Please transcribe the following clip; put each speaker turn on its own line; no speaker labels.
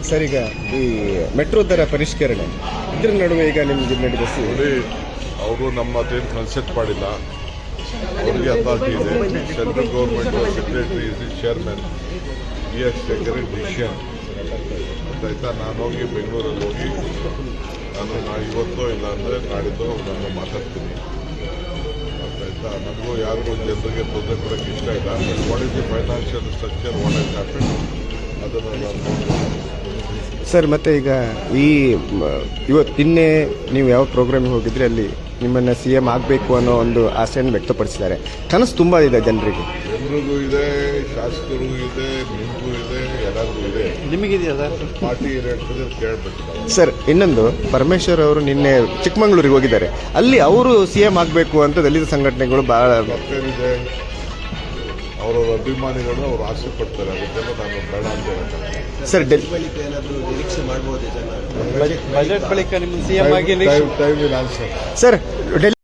Sir, ಈಗ ಈ metro ದರ ಪರಿಷ್ಕರಣೆ ಇದ್ರ ನಡುವೆ ಈಗ ನಿಮ್ಗೆ ನಡೆದ
ನೋಡಿ, ಅವರು ನಮ್ಮ ಅದೇನು ಕನ್ಸೆಪ್ಟ್ ಮಾಡಿಲ್ಲ. ಅವರಿಗೆ ಅಥಾರಿಟಿ ಇದೆ. Central government secretary is the chairman. He has taken a decision. ಆಯ್ತಾ, ನಾನು ಹೋಗಿ ಬೆಂಗಳೂರಲ್ಲಿ ಹೋಗಿ ನಾನು ಇವತ್ತೋ ಇಲ್ಲ ಅಂದರೆ ನಾಡಿದ್ದು ನಾನು ಮಾತಾಡ್ತೀನಿ. ಆಯ್ತಾ, ನನಗೂ ಯಾರಿಗೂ ಜನರಿಗೆ ತೊಂದರೆ ಕೊಡೋಕ್ಕೆ ಇಷ್ಟ ಇಲ್ಲ. What is the financial structure, what is happen ಅದನ್ನು ನಾನು ನೋಡ್ತೀನಿ.
ಸರ್, ಮತ್ತೆ ಈಗ ನಿನ್ನೆ ನೀವು ಯಾವ ಪ್ರೋಗ್ರಾಮಿಗೆ ಹೋಗಿದ್ರೆ ಅಲ್ಲಿ ನಿಮ್ಮನ್ನು CM ಆಗಬೇಕು ಅನ್ನೋ ಒಂದು ಆಸೆಯನ್ನು ವ್ಯಕ್ತಪಡಿಸಿದ್ದಾರೆ. ಕನಸು ತುಂಬ ಇದೆ ಜನರಿಗೂ
ಇದೆ, ಶಾಸಕರಿಗೂ ಇದೆ, ನಿಮಗೂ ಇದೆ, ಎಲ್ಲರಿಗೂ ಇದೆ.
ನಿಮಗಿದೆಯಾ ಸರ್? ಪಾರ್ಟಿ
ಹೇಳ್ತದೆ ಕೇಳಬೇಕು.
ಸರ್, ಇನ್ನೊಂದು ಪರಮೇಶ್ವರ್ ಅವರು ನಿನ್ನೆ ಚಿಕ್ಕಮಗಳೂರಿಗೆ ಹೋಗಿದ್ದಾರೆ. ಅಲ್ಲಿ ಅವರು CM ಆಗಬೇಕು ಅಂತ ದಲಿತ ಸಂಘಟನೆಗಳು ಬಹಳ
ಇದೆ. ಅವರವರ ಅಭಿಮಾನಿಗಳು ಅವರು ಆಸೆ ಪಡ್ತಾರೆ. ಅದಕ್ಕೆಲ್ಲ ನಾನು ಬೇಡ ಅಂತ ಹೇಳ್ತಾರೆ.
ಸರ್,
ಬಜೆಟ್ ಬಳಿಕ ನಿಮ್ಮ CM ಆಗಿ
ಟೈಮ್ ವಿಲ್ ಆನ್ಸರ್.
ಸರ್